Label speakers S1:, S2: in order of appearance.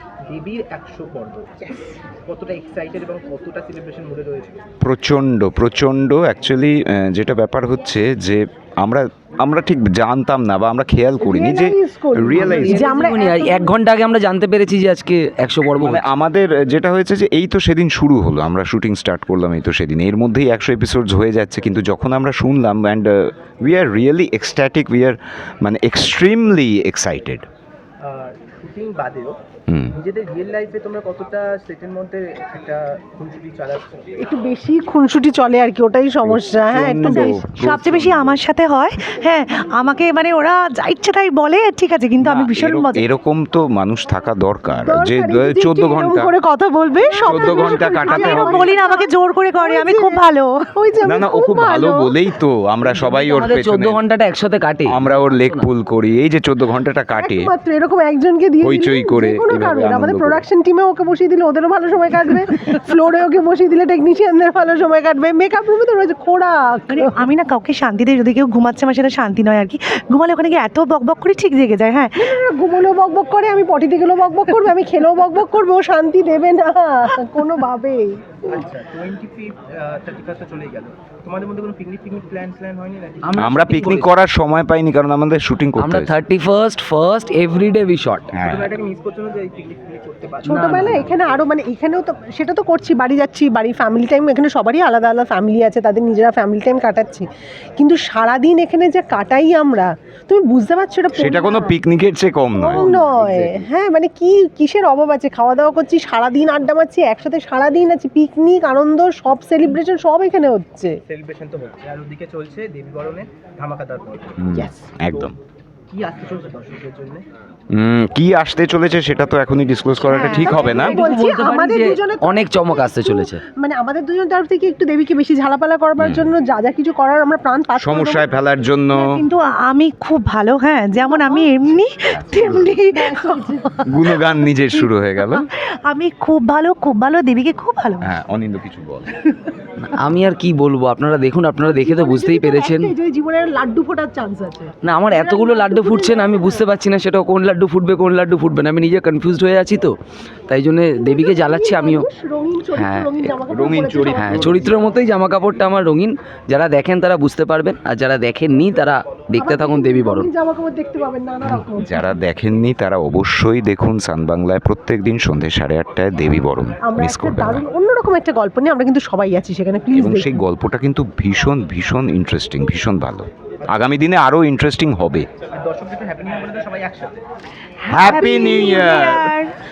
S1: দেবীর 100 পর্ব কতটা এক্সাইটেড এবং কতটা সেলিব্রেশন মুডে রয়েছে?
S2: প্রচণ্ড অ্যাকচুয়ালি যেটা ব্যাপার হচ্ছে যে আমরা ঠিক জানতাম না বা আমরা খেয়াল করিনি যে রিয়েলাইজ
S3: যে আমরা 1 ঘন্টা আগে আমরা জানতে পেরেছি যে আজকে 100 পর্ব
S2: মানে আমাদের যেটা হয়েছে যে এই তো সেদিন শুরু হলো, আমরা শুটিং স্টার্ট করলাম এই তো সেদিন, এর মধ্যেই 100 এপিসোডস হয়ে যাচ্ছে। কিন্তু যখন আমরা শুনলাম and we are really ecstatic, we are মানে এক্সট্রিমলি এক্সাইটেড।
S1: শুটিং বাদেও নিজেদের রিয়েল লাইফে তোমরা কতটা সেটের মধ্যে একটা খুনসুটি চালাচ্ছ?
S4: একটু বেশি খুনসুটি চলে আর কি, ওটাই সমস্যা। হ্যাঁ, একটু বেশি।
S5: সবচেয়ে বেশি আমার সাথে হয়। হ্যাঁ, আমাকে মানে ওরা যা ইচ্ছে তাই বলে, ঠিক আছে, কিন্তু আমি ভীষণ মজা।
S2: এরকম তো মানুষ থাকা দরকার যে 14 ঘন্টা
S4: করে কথা বলবে,
S2: 14 ঘন্টা কাটাতে
S5: আমি
S2: হবে।
S5: বলি না আমাকে জোর করে করে, আমি খুব ভালো।
S4: ওই যে
S2: না ও খুব ভালো বলেই তো আমরা সবাই ওর
S3: আমাদের 14
S2: পেছনে,
S3: ঘন্টাটা একসাথে কাটে।
S2: আমরা ওর লেগ পুল করি, এই যে 14 ঘন্টাটা কাটে
S4: মাত্র এরকম একজনকে দিয়ে
S2: হইচই করে
S4: যে কোনো
S2: এভাবে
S4: কারণে।
S2: আনন্দ
S4: আমাদের
S2: করে।
S4: প্রোডাকশন টিমে ওকে বসিয়ে দিলে ওদেরও ভালো সময় কাটবে, ফ্লোরে ওকে বসিয়ে দিলে টেকনিশিয়ানদের ভালো সময় কাটবে, মেকআপ রুমে তো রয়েছে খোড়াক।
S5: মানে আমি না কাউকে শান্তিতে, যদি কেউ ঘুমাচ্ছে আমার সেটা শান্তি নয় আর কি। ঘুমালে ওখানে গিয়ে এত বকবক করে ঠিক জেগে যায়। হ্যাঁ,
S4: ঘুমোলেও বকবক করে, আমি পটিতে গেলেও বকবক করবে, আমি খেলেও বকবক করবে, ও শান্তি দেবে না কোনোভাবেই।
S1: আচ্ছা, 25 31 চলেই গেল, তোমাদের মধ্যে কোনো পিকনিক প্ল্যান হয়নি নাকি?
S2: আমরা পিকনিক করার সময় পাইনি কারণ আমাদের শুটিং করতে
S3: আমরা
S2: হয়েছে।
S3: 31st first everyday we shot.
S2: হ্যাঁ
S1: তোমরা এটাকে মিস করছো না যে এই পিকনিক করতে পারছো?
S4: ছোটবেলায় এখানে আরো মানে এখানেও তো সেটা তো করছি, বাড়ি যাচ্ছি, বাড়ি ফ্যামিলি টাইম, এখানে সবারই আলাদা আলাদা ফ্যামিলি আছে, তাদের নিজেরা ফ্যামিলি টাইম কাটাচ্ছি, কিন্তু সারাদিন এখানে যে কাটাই আমরা, তুমি বুঝতে পারছো
S2: সেটা কোনো পিকনিকের চেয়ে কম নয়।
S4: নয়। হ্যাঁ, মানে কিসের অভাব আছে? খাওয়া দাওয়া করছি, সারাদিন আড্ডা মারছি, একসাথে সারাদিন আছি, পিকনিক, আনন্দ, সব সেলিব্রেশন সব এখানে হচ্ছে।
S1: সেলিব্রেশন তো হচ্ছে, আর ওদিকে চলছে দেবী বরণের ধামাকাদার পর্ব।
S2: একদম।
S1: কি আসতে চলছে দর্শকদের জন্য?
S2: কি আসতে চলেছে সেটা তো এখনই ডিসক্লোজ করাটা ঠিক হবে না।
S4: বলছি, আমাদের দুজনে
S3: অনেক চমক আসতে চলেছে।
S4: মানে আমাদের দুজন তরফ থেকে একটু দেবীকে বেশি ঝালাপালা করবার জন্য যা যা কিছু করার আমরা প্রাণ পাচ্ছি।
S2: সমস্যায় ফেলার জন্য
S5: কিন্তু আমি খুব ভালো। হ্যাঁ, যেমন আমি এমনি তেমনি
S2: গুণগান নিজের শুরু হয়ে গেল।
S5: আমি খুব ভালো, দেবীকে খুব ভালো।
S2: হ্যাঁ, অনিন্দ কিছু বল।
S3: আমি আর কি বলবো, আপনারা দেখুন, আপনারা দেখে তো বুঝতেই পেরেছেন।
S4: জীবনের লাড্ডু ফোটার চান্স আছে।
S3: না, আমার এতগুলো লাড্ডু ফুটছে না, আমি বুঝতে পারছি না সেটা কোন লাড্ডু ফুটবে কোন লাড্ডু ফুটবে না, আমি নিজে কনফিউজড হয়ে আছি। তো তাই জন্য দেবীকে জ্বালাচ্ছি আমিও। হ্যাঁ,
S2: রঙিন চরিত্র।
S3: হ্যাঁ, চরিত্রের মতোই জামা কাপড়টা আমার রঙিন। যারা দেখেন তারা বুঝতে পারবেন, আর যারা দেখেননি তারা দেখতে থাকুন দেবী বরণ।
S4: জামা কাপড় দেখতে পাবেন নানা রকম।
S2: যারা দেখেননি তারা অবশ্যই দেখুন সান বাংলায় প্রত্যেকদিন সন্ধ্যে 8:30টায় দেবী বরণ,
S4: আমরা
S2: মিস
S4: একটা
S2: করবেন না।
S4: দারুণ অন্যরকম একটা গল্প নিয়ে আমরা কিন্তু সবাই আছি সেখানে, প্লিজ।
S2: এবং সেই গল্পটা কিন্তু ভীষণ ইন্টারেস্টিং, ভীষণ ভালো। আগামী দিনে আরো ইন্টারেস্টিং হবে।
S1: আর দর্শকদের তো হ্যাপি নিউ ইয়ার বলে তো সবাই একসাথে।
S2: হ্যাপি নিউ ইয়ার।